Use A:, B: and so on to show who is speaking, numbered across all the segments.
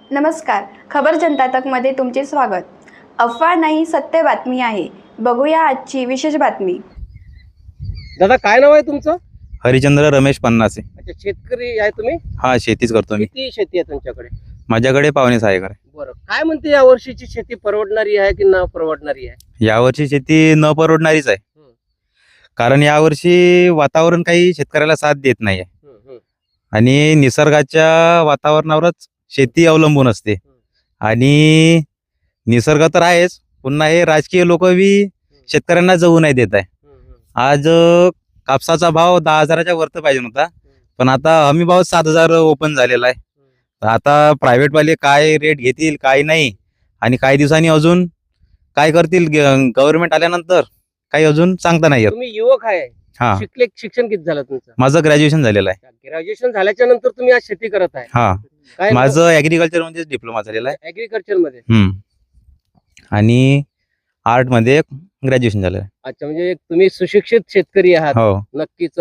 A: नमस्कार. खबर जनता तकमध्ये तुमचे स्वागत. अफवा नाही, सत्य बातमी आहे. बघूया आजची विशेष बातमी.
B: दादा, काय नाव आहे तुमचं?
C: हरिचंद्र रमेश पन्नासे.
B: अच्छा, शेतकरी आहे तुम्ही?
C: हा, शेतीच करतो मी.
B: किती शेती आहे तुमच्याकडे?
C: माझ्याकडे पावणे 6 एकर आहे.
B: बरं, काय म्हणते या वर्षीची शेती परवडणारी आहे की न परवडणारी आहे?
C: यावर्षी शेती न परवडणारीच आहे. कारण यावर्षी वातावरण काही शेतकऱ्याला साथ देत नाही आहे आणि निसर्गाच्या वातावरणावरच शेती अवलंबून असते. आणि निसर्ग तर आहेच, पुन्हा हे राजकीय लोक बी शेतकऱ्यांना जगू नाही देत आहे. आज कापसाचा भाव 10,000च्या वरती पाहिजे होता, पण आता हमी भाव 7,000 ओपन झालेला आहे. तर आता प्रायव्हेटवाले काय रेट घेतील काय नाही, आणि काही दिवसांनी अजून काय करतील गव्हर्नमेंट आल्यानंतर काही अजून सांगता नाही येत.
B: तुम्ही युवक आहे,
C: हा,
B: शिक्षण किती झालं तुमचं?
C: माझं ग्रॅज्युएशन झालेलं आहे.
B: ग्रॅज्युएशन झाल्याच्या नंतर तुम्ही आज शेती करत आहे?
C: हा,
B: काय
C: माझं ऍग्रिकल्चर मध्ये डिप्लोमा झालेला आहे.
B: ऍग्रिकल्चर मध्ये?
C: आणि आर्ट मध्ये ग्रॅज्युएशन झालेलं आहे.
B: अच्छा, म्हणजे तुम्ही सुशिक्षित शेतकरी आहात.
C: हो.
B: नक्कीच.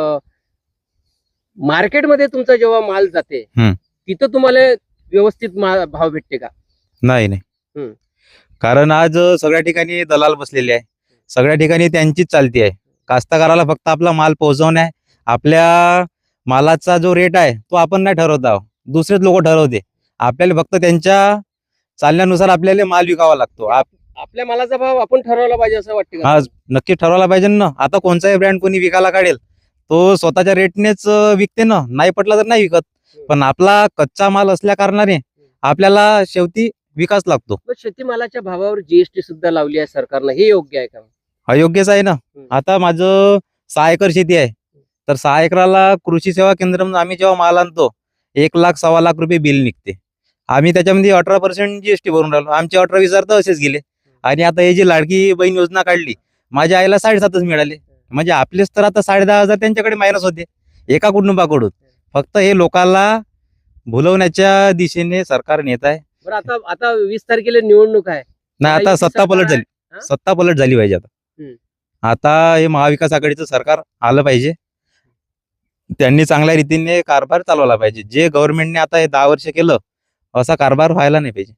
B: मार्केटमध्ये तुमचा जेव्हा माल जाते
C: हम्म.
B: तिथं तुम्हाला व्यवस्थित भाव भेटते का?
C: नाही. कारण आज सगळ्या ठिकाणी दलाल बसलेले आहे, सगळ्या ठिकाणी त्यांचीच चालती आहे. कास्तकाराला फक्त आपला माल पोहोचवणे आहे. आपल्या मालाचा जो रेट आहे तो आपण नाही ठरवत आहोत, दुसरेच लोक ठरवते. आपल्याला फक्त त्यांच्या चालण्यानुसार आपल्याला माल विकावा लागतो.
B: आपल्या मालाचा भाव आपण ठरवला पाहिजे असं वाटतं का?
C: हा, नक्की ठरवला पाहिजे ना. आता कोणताही ब्रँड कोणी विकायला काढेल तो स्वतःच्या रेटनेच विकते ना, नाही पटला तर नाही विकत. पण आपला कच्चा माल असल्या कारणाने आपल्याला शेवटी विकास लागतो.
B: शेतीमालाच्या भावावर जीएसटी सुद्धा लावली आहे सरकारनं, हे योग्य आहे का?
C: अयोग्यच आहे ना. आता माझं 6 एकर शेती आहे, तर 6 एकराला कृषी सेवा केंद्रामधून आम्ही जेव्हा माल आणतो 1 लाख 1.25 लाख रुपये बिल निघते. आम्ही त्याच्यामध्ये 18% जीएसटी भरून राहिलो. आमचे 18-20 तर असेच गेले. आणि आता हे जी लाडकी बहीण योजना काढली, माझ्या आईला 7.5 मिळाले. म्हणजे आपलेच तर आता 10,500 त्यांच्याकडे मायनस होते एका कुटुंबाकडून. फक्त हे लोकांना भुलवण्याच्या दिशेने सरकार नेत आहे.
B: बरं, आता 20 तारखेला निवडणूक आहे.
C: नाही, आता सत्ता पलट झाली पाहिजे. आता हे महाविकास आघाडीचं सरकार आलं पाहिजे. त्यांनी चांगल्या रीतीने कारभार चालवला पाहिजे. जे गव्हर्नमेंटने आता हे 10 वर्ष केलं असा कारभार व्हायला नाही पाहिजे.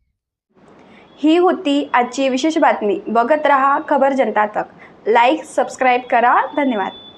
A: ही होती आजची विशेष बातमी. बघत रहा खबर जनता तक. लाईक, सबस्क्राईब करा. धन्यवाद.